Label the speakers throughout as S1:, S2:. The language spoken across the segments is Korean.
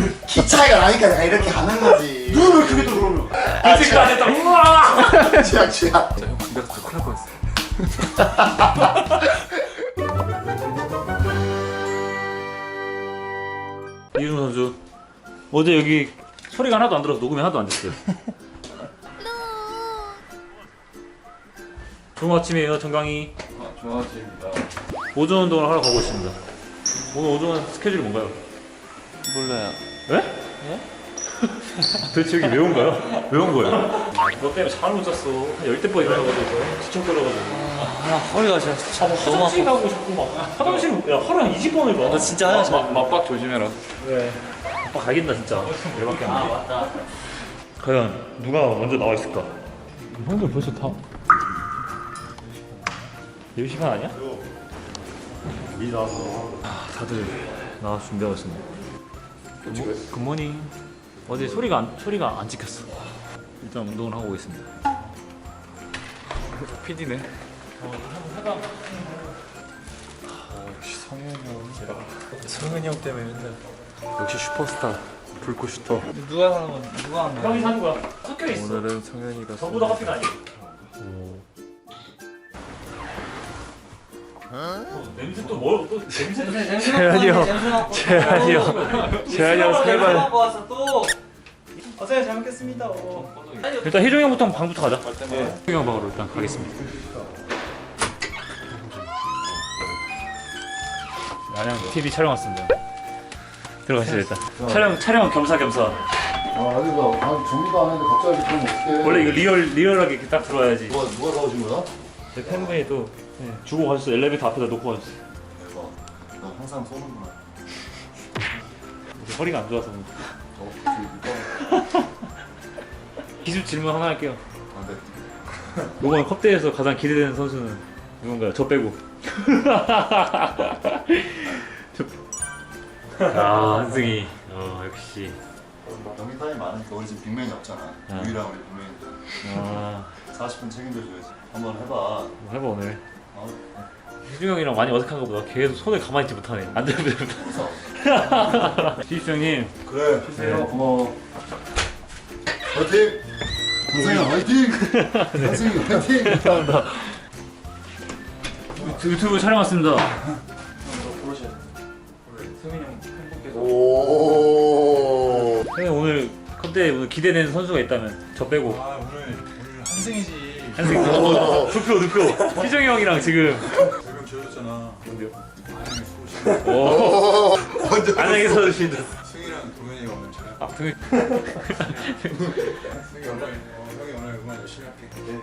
S1: 키 차이가 나니까 내가 이렇게 가는 거지.
S2: 눈을 왜 크게 떠 그러면?
S3: 아직도 안 했다. 우와.
S1: 취약.
S3: 형 군대 가서 큰일 날 뻔했어. 이준호 선수 어제 여기 소리가 하나도 안 들어서 녹음이 하나도 안 됐어요. 좋은 아침이에요, 정강이.
S2: 좋은 아침입니다.
S3: 오전 운동을 하러 가고 있습니다. 오늘 오전 스케줄이 뭔가요?
S2: 몰라요.
S3: 예? 도대체 여기 왜 온가요? 왜 온 거예요? 너 때문에 잠을 못 잤어. 한 10대 번 일어나가지고 지쳐버려가지고.
S2: 허리가 진짜 너무
S3: 화장실
S2: 아파.
S3: 가고 싶고 막 화장실 야 하루에 한 20번을 가.
S2: 나 진짜 화장실
S4: 맞박 조심해라.
S3: 왜? 아빠 가겠다 진짜. 열받게 안 돼.
S2: 맞다.
S3: 과연 누가 먼저 나와 있을까? 형들 벌써 다 10시간 아니야?
S1: 미리 나와서.
S3: 다들 나와서 준비하고 있습니다. 굿모닝. 어제 소리가 안 찍혔어. 일단 운동을 하고 있습니다.
S4: PD네.
S2: 성현이 형 때문에 맨날.
S4: 역시 슈퍼스타. 불꽃 슈터.
S2: 누가 하는 건 누가 하는 거야?
S3: 형이 사는 거야. 섞여 있어.
S4: 오늘은 성현이가
S3: 저보다 커피가 아니야. 냄새 또 뭐? 또 냄새?
S2: 재현이 형.
S4: 재현이 형. 재현이 형 세발.
S2: 갖고 왔어 또. 어제 잘 먹겠습니다.
S3: 일단 희종이 형부터 방부터 가자. 희종이 형 방으로 일단 가겠습니다. 안녕 TV 촬영 왔습니다. 들어가시죠 일단. 촬영 겸사겸사.
S1: 아니 나 정리도 안 했는데 갑자기 그럼 어떡해.
S3: 원래 이거 리얼하게 이렇게 딱 들어와야지.
S1: 누가 사오신 거야?
S3: 제 팬분이 또 주고 가셨어. 엘리베이터 앞에다 놓고 가셨어.
S1: 대박. 나 항상 쏘는구나.
S3: 허리가 안 좋아서. 기술 질문 하나 할게요.
S1: 아 네.
S3: 이번 컵대에서 가장 기대되는 선수는 누군가요? 저 빼고. 아 한승이. 역시.
S1: 경기 타임이 많으니까 우리 지금 빅맨이 없잖아. 유일한 우리 빅맨.
S3: 아
S1: 40분 책임져줘야지. 한번 해봐.
S3: 뭐 해봐 오늘.
S1: 어?
S3: 희중 형이랑 많이 어색한 것보다 계속 손을 가만히 있지 못하네. 안 되면
S1: 무서워.
S3: 희중 형님.
S1: 그래.
S3: 네.
S1: 고마워. 화이팅! 한승이 화이팅! 한승이 화이팅!
S3: 감사합니다. 유튜브 촬영 왔습니다.
S2: 성현이 형 팬분께서.
S1: 오.
S3: 형님 오늘 컵대에 오늘 기대되는 선수가 있다면 저 빼고.
S2: 아 오늘 한승이지.
S3: 한승이. 눕혀. 희정이 형이랑 지금.
S2: 별명 지어줬잖아.
S3: 뭔데요?
S2: 안녕히 수고하시고.
S3: 오.
S1: 완전
S3: 안녕히 서주신다.
S2: 승이랑 동현이가 오늘 잘.
S3: 아 등을.
S2: 승이 오늘 형이 오늘 응원 열심히 할게. 네.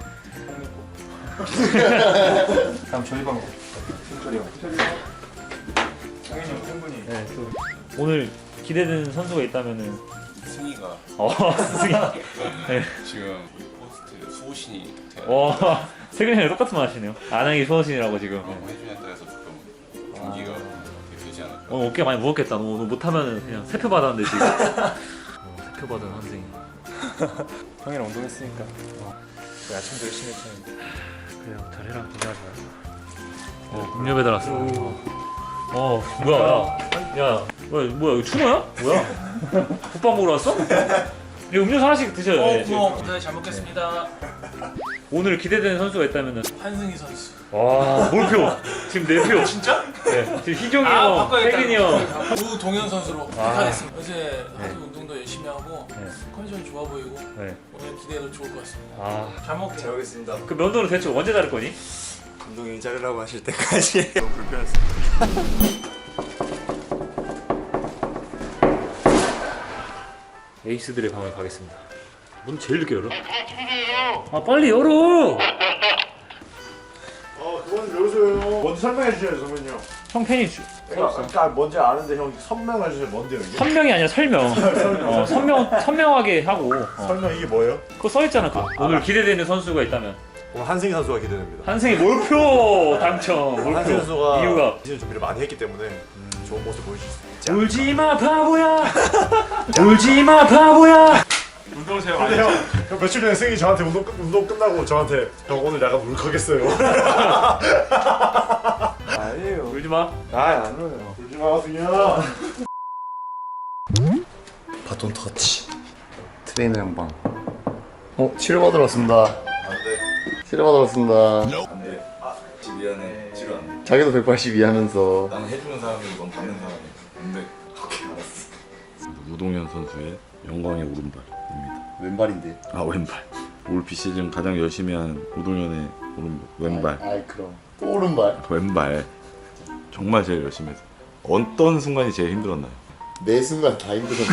S2: 다음 저희 방법. 승철이 형. 성현이 형 팬분이.
S3: 네, 또 오늘 기대되는 선수가 있다면은.
S5: 승희가
S3: 승희. 네.
S5: 지금 포스트 수호신이 돼야
S3: 세근이랑 똑같은 말 하시네요. 안양이 수호신이라고 지금.
S5: 해주냐에 따라서 조금 경기가 어떻게 되지 않을까.
S3: 오늘 어깨 많이 무겁겠다. 너 오늘 못하면은 그냥 세표 받았는데 지금. 세표 받은 한승이.
S2: 형이랑 운동했으니까. 아침도 열심히 했잖아.
S3: 그래요. 잘해라. 고생하지 마. 음료 배달 왔어. 뭐야? 야, 뭐야? 이거 추노야? 뭐야? 국밥 먹으러 왔어? 이 음료수 하나씩 드셔요. 네,
S2: 네, 잘 먹겠습니다.
S3: 오늘 기대되는 선수가 있다면은.
S2: 한승희 선수.
S3: 와, 몰표. 지금 4표. 진짜? 네. 지금 희종이 형,
S2: 바꿔야겠다.
S3: 태균이 형.
S2: 우동현 선수로 부탁하겠습니다. 어제
S3: 네.
S2: 하도 운동도 열심히 하고
S3: 네.
S2: 컨디션이 좋아 보이고
S3: 네.
S2: 오늘 기대도 좋을 것 같습니다.
S3: 아,
S2: 잘 먹게.
S6: 잘 먹겠습니다.
S3: 그 면도는 대체 언제 자를 거니?
S6: 감독님이 자르라고 하실 때까지 너무 불편했습니다.
S3: 에이스들의 방을 가겠습니다. 문 제일 늦게 열어? 아, 빨리 열어!
S7: 그건 열어줘요. 먼저 설명해 주셔요, 선배님.
S3: 형 팬이
S7: 그러니까 뭔지 아는데 형 설명해 주세요. 뭔데요 이게?
S3: 선명이 아니라 설명. 선명하게 하고.
S7: 설명 이게 뭐예요?
S3: 그거 써있잖아. 오늘 기대되는 선수가 있다면.
S7: 오늘 한승희 선수가 기대됩니다.
S3: 한승이 몰표 당첨.
S7: 한승희
S3: 몰표.
S7: 선수가
S3: 이유가
S7: 시즌 준비를 많이 했기 때문에 좋은 모습 보여줄 수 있지.
S3: 울지마 바보야. 울지마 바보야.
S2: 운동하세요.
S7: 근데 형 며칠 전에 승희 저한테 운동 끝나고 저한테 형 오늘 약간 울컥했어요.
S6: 아니에요.
S3: 울지마.
S6: 안 울어요.
S7: 울지 마, 승희야.
S6: 바톤 터치. 트레이너 양방. 치료받으러 왔습니다.
S1: 안돼
S6: 치료받으러 왔습니다.
S1: 안돼 지금 미안해 치료 안돼
S6: 자기도 182 하면서.
S1: 나는 해주는 사람이고 넌 받는 사람이야 안돼 오케이 알았어
S5: 우동현 선수의 영광의 오른발입니다.
S6: 왼발인데.
S5: 아 왼발. 올 비시즌 가장 열심히 한 우동현의 왼발.
S6: 아이 그럼. 또 오른발.
S5: 왼발. 정말 제일 열심히 했어. 어떤 순간이 제일 힘들었나요?
S6: 매 순간 다 힘들었네.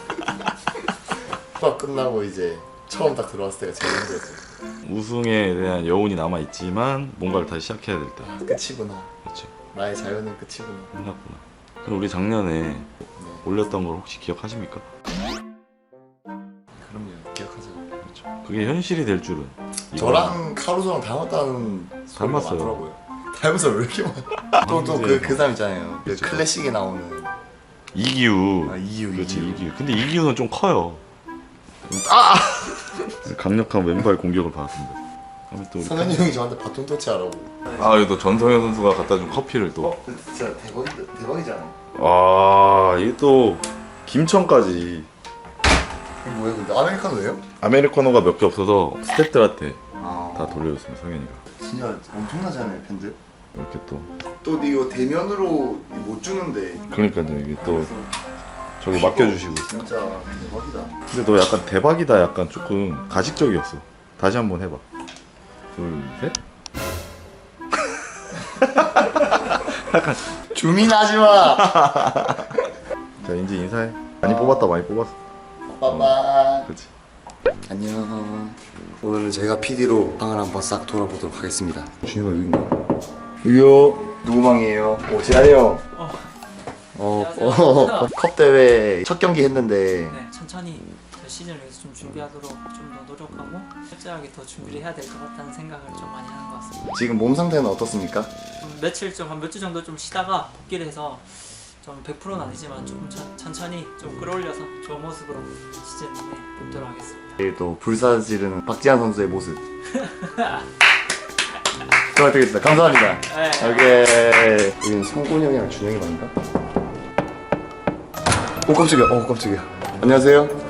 S6: 수업 끝나고 이제 처음 딱 들어왔을 때가 제일 힘들었어.
S5: 우승에 대한 여운이 남아 있지만 뭔가를 다시 시작해야 될 때.
S6: 끝이구나.
S5: 그렇죠.
S6: 나의 자유는 끝이구나.
S5: 끝났구나. 그럼 우리 작년에 올렸던 걸 혹시 기억하십니까?
S6: 그럼요. 기억하죠.
S5: 그렇죠. 그게 현실이 될 줄은.
S6: 저랑 카루소랑 닮았다는 소리가
S5: 닮았어요.
S6: 많더라고요. 닮아서 왜 이렇게 많아? 또 그 사람 있잖아요. 그 클래식에 나오는
S5: 이기우.
S6: 이기우.
S5: 그렇지 이기우. 근데 이기우는 좀 커요. 강력한 왼발 공격을 받았습니다. 그러면 또 우리
S6: 성현이 형이 저한테 바톤 터치하라고.
S5: 아 여기 또 전성현 선수가 갖다 준 커피를 또.
S6: 진짜 대박이잖아.
S5: 아 이게 또 김천까지.
S6: 이게 뭐야 근데 아메리카노예요?
S5: 아메리카노가 몇 개 없어서 스태프들한테
S6: 아
S5: 다 돌려줬습니다 성현이가.
S6: 진짜 엄청나잖아요 팬들.
S5: 이렇게 또.
S6: 또 이거 대면으로 못 주는데
S5: 그러니까요 이게 또 저기 맡겨주시고.
S6: 진짜 대박이다.
S5: 근데 너 약간 대박이다 약간 조금 가식적이었어. 다시 한번 해봐. 둘 셋.
S6: 주민하지 마.
S5: 자 이제 인사해. 많이 뽑았다 많이 뽑았어.
S6: 빠빠.
S5: 그렇지.
S6: 안녕. 오늘은 제가 PD로 방을 한번 싹 돌아보도록 하겠습니다.
S5: 준이가 여기 있나?
S6: 여기요. 누구 방이에요? 오 재한이 형. 컵 대회 첫 경기 했는데
S8: 네, 천천히 시즌을 위해서 좀 준비하도록 좀 더 노력하고 철저하게 더 준비를 해야 될 것 같다는 생각을 좀 많이 하는 것 같습니다.
S6: 지금 몸 상태는 어떻습니까?
S8: 며칠 좀 한 몇 주 정도 좀 쉬다가 복귀를 해서 좀 100%는 아니지만 조금 천천히 좀 끌어올려서 좋은 모습으로 시즌 내에 뽑도록 하겠습니다.
S6: 내일 또 불사지르는 박지한 선수의 모습. 부탁드리겠습니다. 감사합니다.
S8: 네.
S6: 오케이. 여기는 성곤이 형이랑 준영이 방인가? 오 깜짝이야. 깜짝이야. 안녕하세요.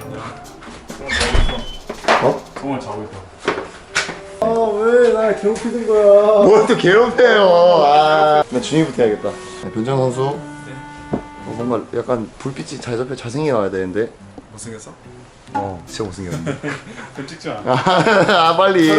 S2: 공을 자고 있어.
S6: 왜 날 괴롭히는 거야? 뭘 또 괴롭혀요? 나 준이부터 해야겠다. 변정 선수. 뭔가 약간 불빛이 잘 잡혀 잘생겨 나와야 되는데.
S2: 못생겼어?
S6: 진짜 못생겼네.
S2: 좀 찍지 마.
S6: 빨리.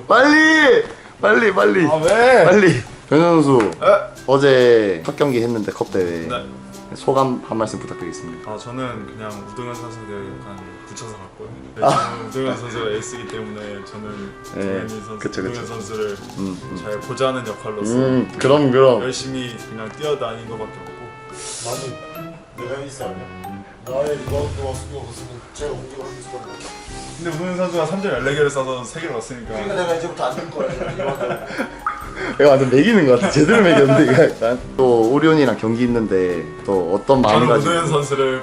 S2: 아 왜?
S6: 빨리. 변정 선수. 어제 첫 경기 했는데 컵 대회.
S2: 네.
S6: 소감 한 말씀 부탁드리겠습니다.
S2: 저는 그냥 우동현 선수를 약간 붙여서 갔고요. 저는 우동현 선수가 에이스이기 때문에 저는
S6: 네,
S2: 정현이 선수,
S6: 그쵸.
S2: 우동현 선수를 잘 보좌하는 역할로서
S6: 그럼.
S2: 열심히 그냥 뛰어다닌 것밖에 없고.
S7: 나는 내가 에이스 아니야? 나의 리바운드 수가 없으면 제가 공격을 할 수가 없어.
S2: 근데 우동현 선수가 3점 14개를 쏴서 3개를 넣었으니까.
S7: 그러니까 내가 이제부터 안 될 거야. 리바운드.
S6: 내가 완전 매기는 것 같아. 제대로 매겼는데 이거 약간. 또 오리온이랑 경기 있는데 또 어떤 마음을
S2: 저는
S6: 가지고.
S2: 우동현 선수를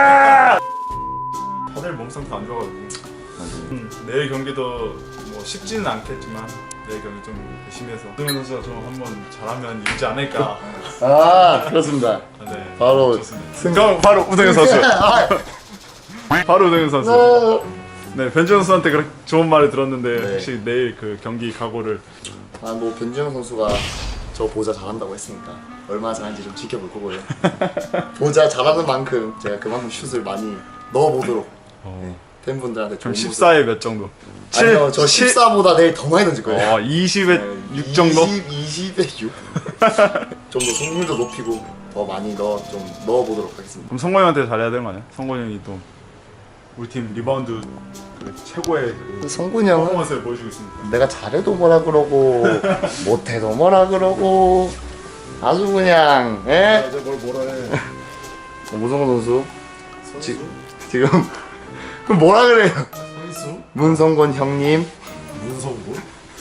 S2: 다들 몸 상태 안 좋아가지고 내일 경기도 뭐 쉽지는 않겠지만 내일 경기 좀 열심히 해서 우동현 선수가 좀 한번 잘하면 이기지 않을까.
S6: 그렇습니다.
S2: 네,
S6: 바로
S2: 좋습니다. 그럼 바로 우동현 선수. 바로 우동현 선수. 네, 변준 선수한테 그렇게 좋은 말을 들었는데
S6: 네.
S2: 혹시 내일 그 경기 각오를.
S6: 뭐 변지영 선수가 저 보자 잘한다고 했으니까 얼마나 잘하는지 좀 지켜볼 거고요. 보자 잘하는 만큼 제가 그만큼 슛을 많이 넣어보도록 팬분들한테
S2: 그럼
S6: 좋은
S2: 14에 몇 정도?
S6: 모습. 아니요, 저 14보다 내일 더 많이 던질 거예요.
S2: 20에 6 정도?
S6: 20에 6? 좀 더 승률도 높이고 더 많이 좀 넣어보도록 하겠습니다.
S2: 그럼 성곤 형한테 잘해야 되는 거 아니야? 성곤 형이 또 우리 팀 리바운드 그 최고의 그
S6: 성군이 형은
S2: 퍼포먼스를 보여주고 있습니다.
S6: 내가 잘해도 뭐라 그러고 못해도 뭐라 그러고 아주 그냥
S7: 이제 뭐라 해.
S6: 문성곤 선수 지금 그럼 뭐라 그래요?
S7: 선수?
S6: 문성곤 형님
S7: 문성군?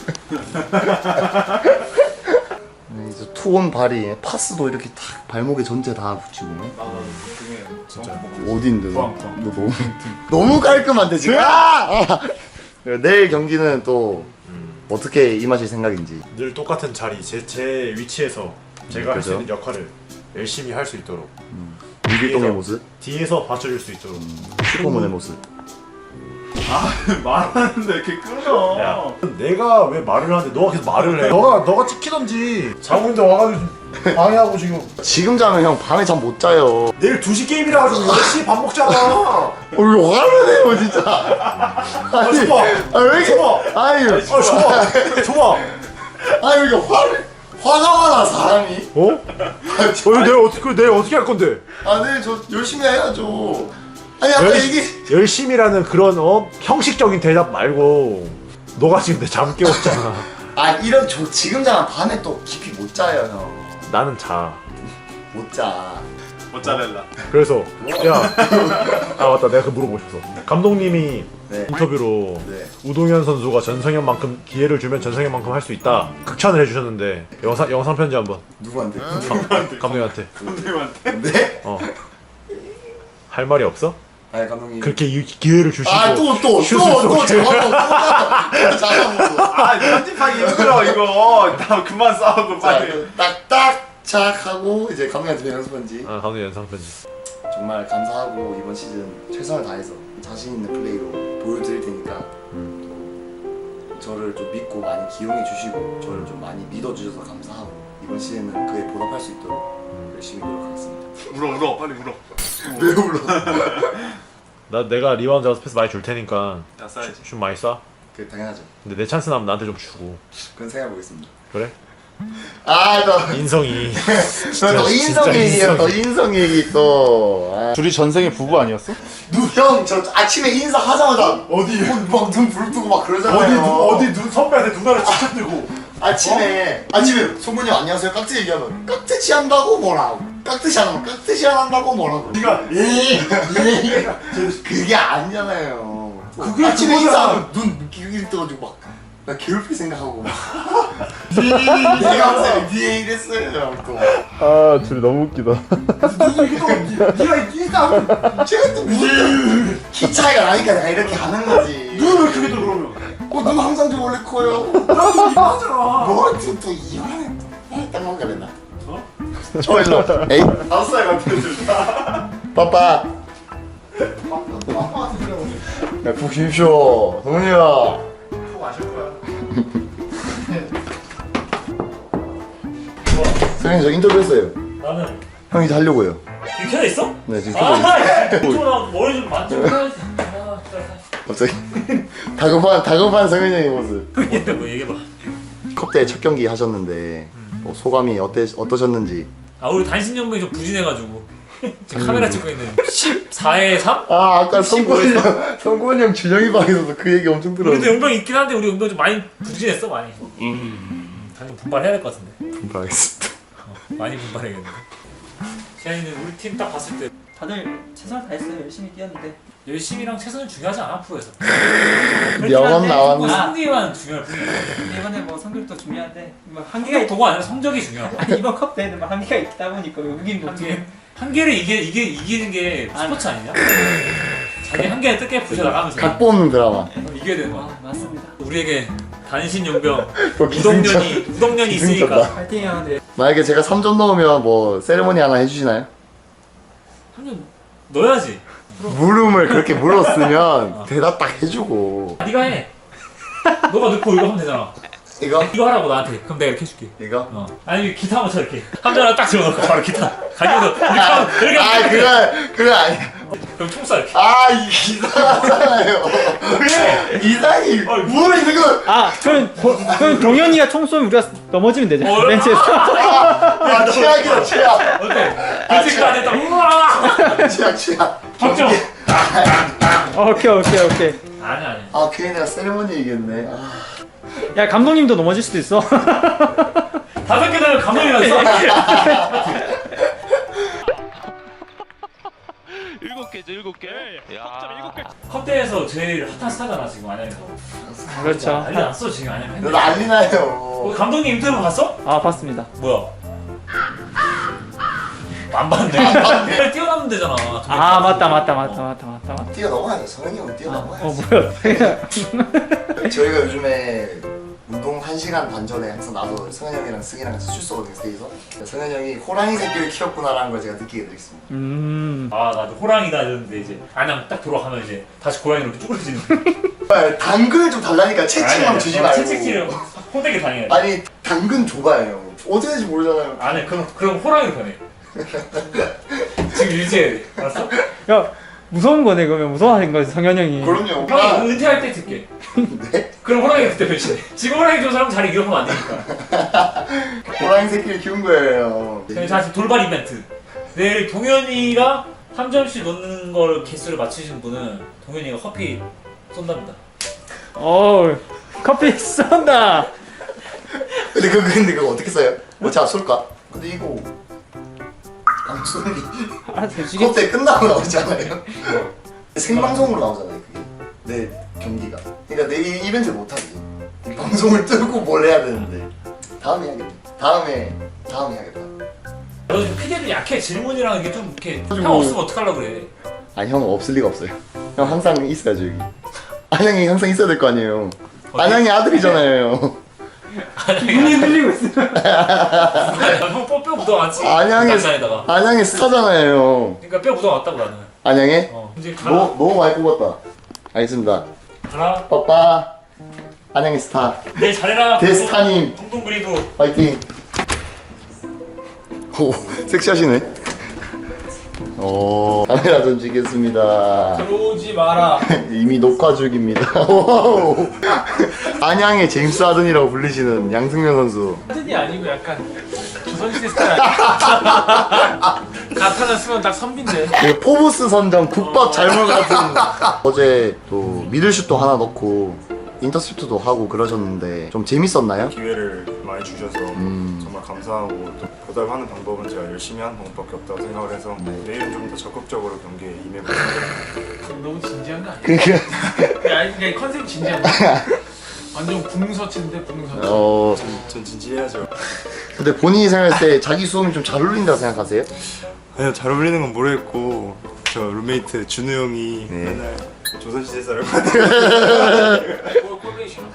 S6: 이제 투혼 발이 파스도 이렇게 탁 발목에 전체 다 붙이고
S7: 진짜.
S6: 어딘데 너
S2: 포항.
S6: 너무 깔끔한데 지금 내일 경기는 또 어떻게 임하실 생각인지.
S7: 늘 똑같은 자리, 제 위치에서 제가 할 수
S6: 그죠?
S7: 있는 역할을 열심히 할 수 있도록
S6: 유길동의
S7: 뒤에서-
S6: 모습.
S7: 뒤에서 받쳐줄 수 있도록
S6: 슈퍼문의 모습.
S2: 말하는데 이렇게 끊어.
S7: 야, 내가 왜 말을 하는데 너가 계속 말을 해. 너가 찍히던지. 자고 있는데 와가지고 방해하고 지금.
S6: 지금 자면 형 밤에 잠 못 자요.
S7: 내일 2시 게임이라 가지고 10시 밥 먹잖아.
S6: 왜 화를 내요 진짜. 아니,
S7: 줘봐.
S6: 왜 이렇게?
S7: 줘봐.
S6: 아니,
S7: 줘봐.
S6: 아니 왜 이렇게 화가 많아 사람이?
S7: 어? 내일 어떻게 할 건데?
S6: 아, 네, 저 열심히 해야죠. 아니 아까 얘기.
S7: 열심히라는 그런 형식적인 대답 말고 너가 지금 내 잠 깨웠잖아.
S6: 아 이런 저 지금 자면 밤에 또 깊이 못 자요 형.
S7: 나는 자.
S6: 못 자.
S2: 모짜렐라.
S7: 그래서 아 맞다 내가 그 물어보고 싶어. 감독님이
S6: 네.
S7: 인터뷰로
S6: 네.
S7: 우동현 선수가 전성현만큼 기회를 주면 전성현만큼 할 수 있다 극찬을 해주셨는데 영상 편지 한번
S6: 누구한테?
S7: 감독님한테.
S2: 감독님한테.
S6: 네?
S7: 할 말이 없어?
S6: 아니 감독님.
S7: 그렇게 기회를 주시고
S6: 아또
S7: 슛을 쏘게.
S6: 잡아먹고.
S2: 아 편집하기 힘들어 이거. 나 그만 싸우고 빨리.
S6: 딱딱 착 하고 이제 감독님한테 연습한지.
S7: 아 감독님 영상 편지.
S6: 정말 감사하고 이번 시즌 최선을 다해서 자신 있는 플레이로 보여드릴 테니까 저를 좀 믿고 많이 기용해 주시고 저를 좀 많이 믿어주셔서 감사하고 이번 시즌은 그에 보답할 수 있도록 열심히 노력하겠습니다.
S2: 울어 빨리 울어.
S6: 왜 울어?
S7: 내가 리바운드 잡아서 패스 많이 줄 테니까
S2: 야 싸야지.
S7: 슛 많이 쏴.
S6: 그 당연하죠.
S7: 근데 내 찬스 나면 나한테 좀 주고.
S6: 그건 생각해보겠습니다.
S7: 그래?
S6: 너
S7: 인성이.
S6: 너 인성 얘기야. 너 인성 얘기 또.
S5: 둘이 전생에 부부 아니었어?
S6: 형, 저 아침에 인사하자마자
S7: 어디
S6: 막눈 부릅뜨고 막 그러잖아요.
S7: 어디 선배한테 누나를 직접 들고.
S6: 아침에 송군이 형 안녕하세요 깍지 얘기하면 깍듯이 한다고 뭐라고 깍듯이 안 하면 깍듯이 안 한다고 뭐라고
S7: 네가
S6: 그게 아니잖아요.
S7: 그게
S6: 아침에
S7: 그거잖아.
S6: 인사하면 눈 기울기 떠가지고 막 나 괴롭힐 생각하고 막 내가 항상 니에 이랬어요 또.
S5: 아 둘이 너무 웃기다.
S7: 네가 이기다.
S6: 제가 또 무슨 키 차이가 나니까 내가 이렇게 하는 거지.
S7: 눈을 크게 또 그러면.
S6: 눈 항상 좀 원래 커요.
S7: 나도 이거 하잖아.
S6: 뭐또 이만해. 땅만 가랬나? 저 일로. 에이.
S2: 5살 같아.
S6: 빠빠. 야, 푹 쉬십시오. 동훈이야.
S2: 푹 마실 거야.
S6: 선생님, 저 인터뷰 했어요.
S3: 나는
S6: 형이 이제 하려고요.
S3: 이렇게 켜 있어?
S6: 네, 지금 켜고 있어요.
S3: 나 머리 좀 만지고 해야지.
S6: 갑자기. 다급한 성현이 형의 모습.
S3: 뭔데 뭐 얘기해봐.
S6: 컵대 첫 경기 하셨는데, 뭐 소감이 어떠셨는지.
S3: 아 우리 단신연봉이 좀 부진해가지고 지금 카메라 찍고 있는 14에 3?
S6: 아, 아까 성구원 형 준영이 방에서도 그 얘기 엄청
S3: 우리도
S6: 들었는데.
S3: 연봉 있긴 한데 우리 연봉 좀 많이 부진했어 많이. 당연히 분발해야 될 것 같은데.
S6: 분발하겠습니다.
S3: 많이 분발해야겠는데. 시안이는 우리 팀 딱 봤을 때
S8: 다들 최선을 다했어요. 열심히 뛰었는데.
S3: 열심히랑 최선은 중요하지 않아 프로에서.
S6: 명언 나왔네.
S3: 승리만 중요할 뿐이야.
S8: 근데 이번에 뭐 성적도 중요한데 뭐 한계가
S3: 한계가 도가 아니라 성적이 중요하고.
S8: 아니 이번 컵 대회는 뭐 한계가 있다 보니까 외국인도
S3: 한계를 이기는 게 스포츠 아니냐? 자기 한계를 뜯게 부셔나가면서
S6: 각 뽑는 드라마.
S3: 이겨야 되는 거야.
S8: 맞습니다.
S3: 우리에게 단신 용병
S6: 또
S3: 우동년이 있으니까
S6: 기승전다.
S8: 파이팅 형들.
S6: 만약에 제가 3점 넣으면 뭐 세레모니 하나 해주시나요?
S3: 한년 넣어야지.
S6: 물음을 그렇게 물었으면 대답 딱 해주고.
S3: 네가 해. 너가 넣고 이거 하면 되잖아. 이거 하라고 나한테. 그럼 내가 이렇게 해줄게.
S6: 이거?
S3: 아니 기타 한번 쳐 이렇게. 함자랑 딱 집어넣고 바로 기타. 가지고서 이렇게 하면 이렇게
S6: 아
S3: 하면
S6: 그건 아니.
S3: 그럼 총 쏴 이렇게.
S6: 아 이상하잖아요. 왜? 이상이 뭐 이거?
S8: 그럼 동현이가 총 쏘면 우리가 넘어지면 되죠. 벤치에서.
S6: 아 최악이다 최악.
S3: 어때? 그 생각 안 했다. 우와.
S6: 최악.
S3: 박정.
S8: 오케이.
S3: 아니.
S6: 아 괜히 내가 세레모니 얘기했네. 아.
S8: 야 감독님도 넘어질 수도 있어.
S3: 5개 되면 감독이랑 써.
S4: 7개. 야.
S3: 컵대에서 제일 핫한 스타잖아 지금 안양에서.
S8: 그렇죠.
S3: 난리 났어 지금 안양.
S6: 너 난리 나요.
S3: 감독님 인터뷰 봤어?
S8: 아 봤습니다.
S3: 뭐야? 안 봤네. 뛰어나면 되잖아.
S8: 아 맞다.
S6: 뛰어넘어야 돼. 성현이 형 뛰어넘어야 돼.
S8: 뭐야?
S6: 저희가 요즘에 운동 1시간 반 전에 항상 나도 성현 형이랑 승이랑 같이 출소거든요 스테이서. 성현 형이 호랑이 새끼를 키웠구나라는 걸 제가 느끼게 되겠습니다.
S3: 아 나도 호랑이다 이랬는데 이제 안양 딱 돌아가면 이제 다시 고양이로 이렇게 쭈그러지는.
S6: 당근을 좀 달라니까 채찍만 주지 말고.
S3: 채찍질을 호되게 당해야 돼.
S6: 아니 당근 줘봐요 형. 어떻게 될지 모르잖아요.
S3: 아니 그럼 호랑이로 변해. 지금 유지해야 돼. 알았어?
S8: 야 무서운 거네 그러면 무서워하는 거지 성현 형이.
S6: 그럼요.
S3: 형이 은퇴할 때 듣게.
S6: 네?
S3: 그럼 호랑이가 그때 변신해. 지금 호랑이 좋은 사람 자리 위협하면 안 되니까.
S6: 호랑이 새끼를 키운 거예요.
S3: 자 지금 돌발 이벤트. 내일 동현이가 3점씩 넣는 걸 개수를 맞추신 분은 동현이가 커피 쏜답니다.
S8: 커피 쏜다.
S6: 근데 그거 어떻게 써요? 제가 쏠까? 근데 이거 방송이
S8: 아 솔직히
S6: 그때 끝나고 나오잖아요. 생방송으로 나오잖아요 그게. 내 경기가. 그러니까 내 이벤트 못 하지. 방송을 뜨고 뭘 해야 되는데. 다음에 해야겠다. 다음에 해야겠다.
S3: 너 지금 피디도 약해. 질문이랑 이게 좀 이렇게 형 없으면 어떡하려고 그래.
S6: 아니 형 없을 리가 없어요. 형 항상 있어야죠 여기. 안양이 항상 있어야 될 거 아니에요. 안양이 아들이잖아요.
S8: 눈이 흘리고 있어.
S3: 형 뼈 묻어왔지. 장난에다가.
S6: 안양의 스타잖아요.
S3: 그러니까 뼈 묻어왔다고 나는.
S6: 안양에?
S3: 이제 가라.
S6: 너무 많이 뽑았다. 알겠습니다.
S3: 가라.
S6: 빠빠. 안양의 스타.
S3: 내일 잘해라.
S6: 대스타님.
S3: 동동 그리고.
S6: 파이팅. 오, 섹시하시네. 카메라 던지겠습니다.
S2: 들어오지 마라.
S6: 이미 녹화 중입니다. 와우. 안양의 제임스 하든이라고 불리시는 양승면 선수.
S2: 하든이 아니고 약간 조선시대 스타일 아니야? 가타나 쓰면 딱 선비인데.
S6: 그 포브스 선정 국밥 잘못 같은. 어제 또 미들슛도 하나 넣고 인터셉트도 하고 그러셨는데 좀 재밌었나요?
S2: 기회를 많이 주셔서 정말 감사하고 또 보답하는 방법은 제가 열심히 하는 방법밖에 없다고 생각을 해서 내일은 좀 더 적극적으로 경기에 임해보겠습니다.
S9: 너무 진지한 거 아니야?
S6: 그러니까
S9: 아니 그러니까 컨셉 진지한 거. 완전 붕서치인데 붕서치.
S2: 전 진지해야죠.
S6: 근데 본인이 생각할 때 자기 수음이 좀 잘 어울린다고 생각하세요?
S2: 아니요, 잘 어울리는 건 모르겠고 저 룸메이트 준우 형이
S6: 네.
S2: 맨날 조선시대 사람
S9: 꼴보기 싫어.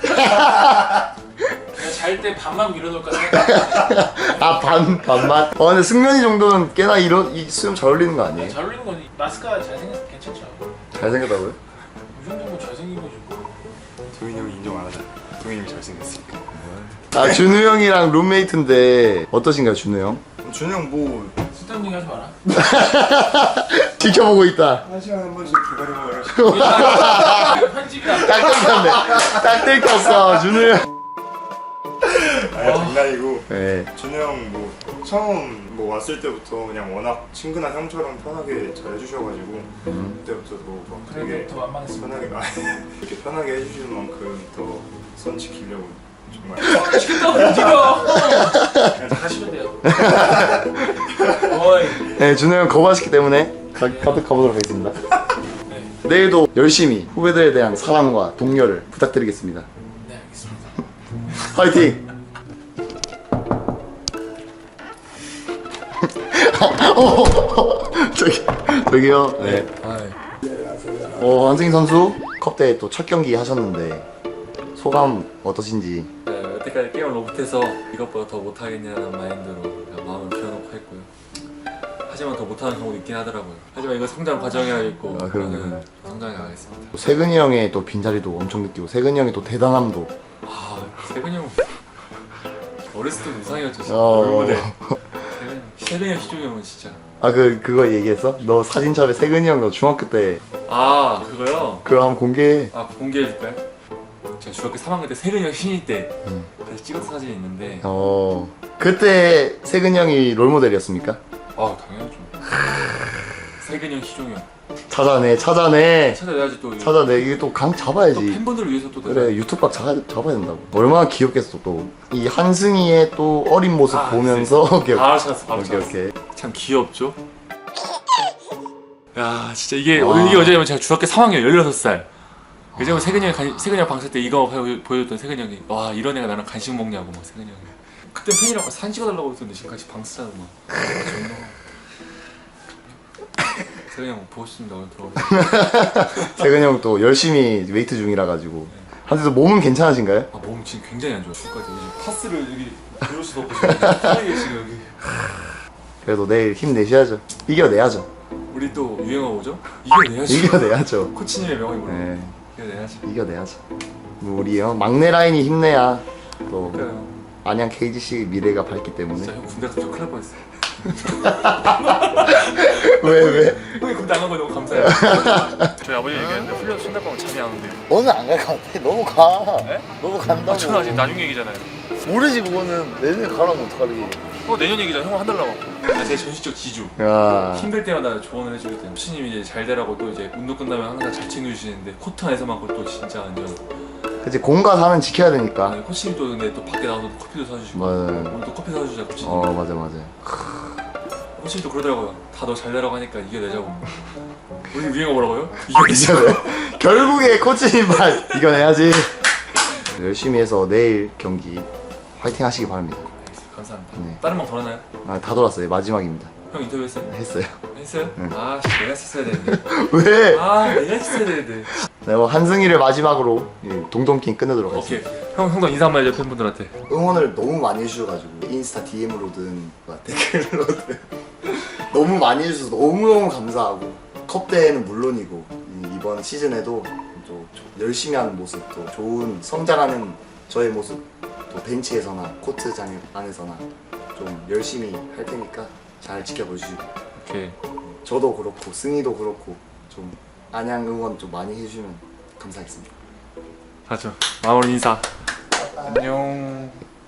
S9: 잘 때 반만 밀어놓을까 생각.
S6: 아 반만? 근데 승면이 정도는 꽤나 이 수염 잘 어울리는 거 아니에요?
S9: 잘 어울리는 건 마스크가 잘생겨서 괜찮죠.
S6: 잘생겼다고요?
S9: 이 정도면 잘생긴 거지.
S2: 동현이 형이 인정 안 하잖아. 동현이 형이 잘생겼으니까.
S6: 아 준우 형이랑 룸메이트인데 어떠신가요 준우 형?
S2: 준우 형 뭐
S9: 쓸데없는 얘기 하지 마라.
S6: 지켜보고 있다.
S2: 한 시간에 한 번씩 기다려봐라.
S9: 이거 편집이야.
S6: 딱 들켰네. 딱 들켰어 준우 형.
S2: 아니 장난이고
S6: 네.
S2: 준우 형 뭐 처음 뭐 왔을 때부터 그냥 워낙 친근한 형처럼 편하게 잘 해주셔가지고 그때부터도 막
S9: 그래도
S2: 되게
S9: 더 만만했습니다.
S2: 편하게 이렇게 편하게 해주시는 만큼 더 선 지키려고 정말
S9: 시켰다고 움직여. 그냥 하시면 돼요. 어이.
S6: 네 준우 형 거부하시기 때문에 가득 가보도록 하겠습니다. 내일도 열심히 후배들에 대한 사랑과 독려를 부탁드리겠습니다.
S9: 네 알겠습니다.
S6: 화이팅! 저기요. 네. 한승희 선수 컵대회 또 첫 경기 하셨는데 소감 어떠신지?
S10: 네, 여태까지 게임을 너무 못해서 이것보다 더 못하겠냐는 마인드로 그냥 마음을 비워놓고 했고요. 하지만 더 못하는 경우도 있긴 하더라고요. 하지만 이거 성장 과정이라고
S6: 아, 그럼요.
S10: 저는 성장해 가겠습니다.
S6: 세근이 형의 또 빈자리도 엄청 느끼고 세근이 형의 또 대단함도.
S10: 아, 세근이 형 어렸을 때 우상이었죠. 진짜.
S6: 어.
S10: 롤모델. 세근이 형, 희종이 형은 진짜.
S6: 아 그거 얘기했어? 너 사진첩에 세근이 형 너 중학교 때
S10: 아, 그거요?
S6: 그거 한번 공개해.
S10: 아, 공개해줄까요? 제가 중학교 3학년 때 세근이 형 신인 때 그래서 찍은 사진이 있는데
S6: 그때 세근이 형이 롤모델이었습니까?
S10: 아, 당연하죠. 세근이 형, 희종이 형.
S6: 찾아내
S10: 찾아내야지 또.
S6: 찾아내. 이게 또 강 잡아야지.
S10: 또 팬분들을 위해서 또.
S6: 그래 유튜브 각 잡아야 된다고. 얼마나 귀엽겠어 또. 이 한승희의 또 어린 모습
S10: 아,
S6: 보면서
S10: 바로 찾았어, 바로 찾았어.
S6: 오케이.
S10: 참 귀엽죠? 야, 진짜 이게 어제냐면 제가 중학교 3학년 16살. 그제면 세근이 형 방송 때 이거 보여줬던 세근이 형이 와, 이런 애가 나랑 간식 먹냐고 막 세근이 형이. 그때 팬이라고 사진 찍어달라고 했었는데 지금까지 방쓰자고 막. 세근이 형 보고 싶습니다. 오늘 들어오세요.
S6: 세근이 형 또 열심히 웨이트 중이라 가지고 한테도 몸은 괜찮으신가요?
S10: 아 몸 지금 굉장히 안 좋아. 죽을 것 같아. 지금 파스를 여기 들을 수도 없고 지금 사이에 지금 여기.
S6: 그래도 내일 힘내셔야죠. 이겨내야죠.
S10: 우리 또 유행어 뭐죠? 이겨내야죠.
S6: 이겨내야죠.
S10: 코치님의 명언이 뭐라고?
S6: 네,
S10: 이겨내야죠.
S6: 이겨내야죠. 뭐 우리 막내 라인이 힘내야 또
S10: 그러니까요.
S6: 안양 KGC 미래가 밝기 때문에.
S10: 진짜 형 군대 갔다 좀 큰일 날 뻔했어.
S6: 왜?
S10: 형이 군대 안 간 거 너무 감사해요. 저희 아버지 얘기했는데 훈련 손날 거면 잠이 안 온대요.
S6: 오늘 안 갈 것 같아. 너무 가.
S10: 네?
S6: 너무 간다고.
S10: 저는 아직 나중 얘기잖아요.
S6: 모르지 그거는. 내년에 가라면 어떡하지.
S10: 내년 얘기잖아. 형은 한 달 남았고. 제 전시적 지주.
S6: 야.
S10: 힘들 때마다 조언을 해주기 때문에 코치님이 이제 잘 되라고 또 이제 운동 끝나면 항상 잘 챙겨주시는데 코트 안에서만큼 또 진짜 완전.
S6: 그치 공과 사는 지켜야 되니까.
S10: 아니, 코치님 또 근데 또 밖에 나가서 커피도 사주시고.
S6: 맞아요.
S10: 오늘 또 커피 사주자 코치님.
S6: 맞아.
S10: 코치님 또 그러더라고요. 다 너 잘 되라고 하니까 이겨내자고. 우리 유행어 뭐라고요? 이겨내자.
S6: 결국에 코치님 말 이겨내야지. 열심히 해서 내일 경기 화이팅 하시기 바랍니다.
S10: 감사합니다.
S6: 네.
S10: 다른 방 돌았나요?
S6: 다 돌았어요. 마지막입니다.
S10: 형 인터뷰 했어요?
S6: 했어요.
S10: 했어요?
S6: 네.
S10: 아 내가 했어야 되는데.
S6: 왜?
S10: 내가 했어야 되는데.
S6: 네, 한승희를 마지막으로 동동킹 끝내도록
S10: 오케이.
S6: 하겠습니다.
S10: 형도 인사 한번 해줘 팬분들한테.
S6: 응원을 너무 많이 해주셔가지고 인스타 DM으로든 댓글로든 너무 많이 해주셔서 너무너무 감사하고 컵대회는 물론이고 이번 시즌에도 또 열심히 하는 모습, 또 좋은 성장하는 저의 모습, 또 벤치에서나 코트장 안에서나 좀 열심히 할 테니까 잘 지켜봐 주시고
S10: 오케이.
S6: 저도 그렇고 승희도 그렇고 좀 안양 응원 좀 많이 해주시면 감사하겠습니다.
S10: 가죠. 마무리 인사. 안녕.